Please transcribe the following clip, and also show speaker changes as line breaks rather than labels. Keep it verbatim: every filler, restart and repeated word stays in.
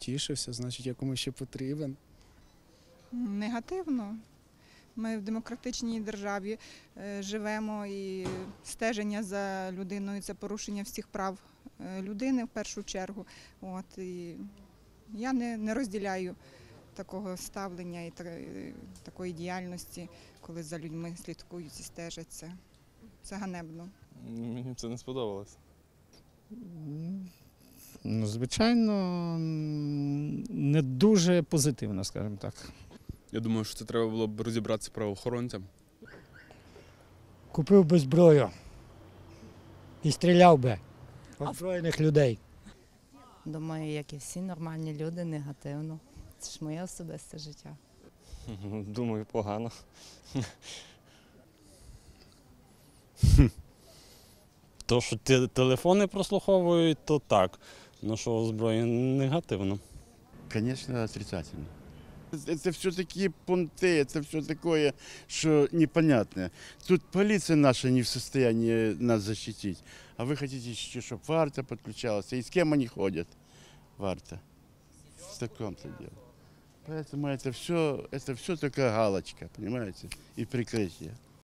потішився, значить, я комусь ще потрібен.
Негативно. Ми в демократичній державі е, живемо, і стеження за людиною – це порушення всіх прав е, людини в першу чергу. От, і я не, не розділяю такого ставлення і такої діяльності, коли за людьми слідкують і стежаться. Це ганебно.
Мені це не сподобалось.
Ну, звичайно, не дуже позитивно, скажімо так.
Я думаю, що це треба було б розібратися правоохоронцям.
Купив би зброю і стріляв би озброєних людей.
Думаю, як і всі нормальні люди, негативно. Це ж моє особисте життя.
Думаю, погано. То, що телефони прослуховують, то так. Ну, що озброєння негативно.
Конечно, отрицательно. Это все такие понты, это все такое, что непонятное. Тут полиция наша не в состоянии нас защитить. А вы хотите еще, чтобы Варта подключалась? И с кем они ходят, Варта? В таком-то деле. Поэтому это все, это все только галочка, понимаете, и прикрытие.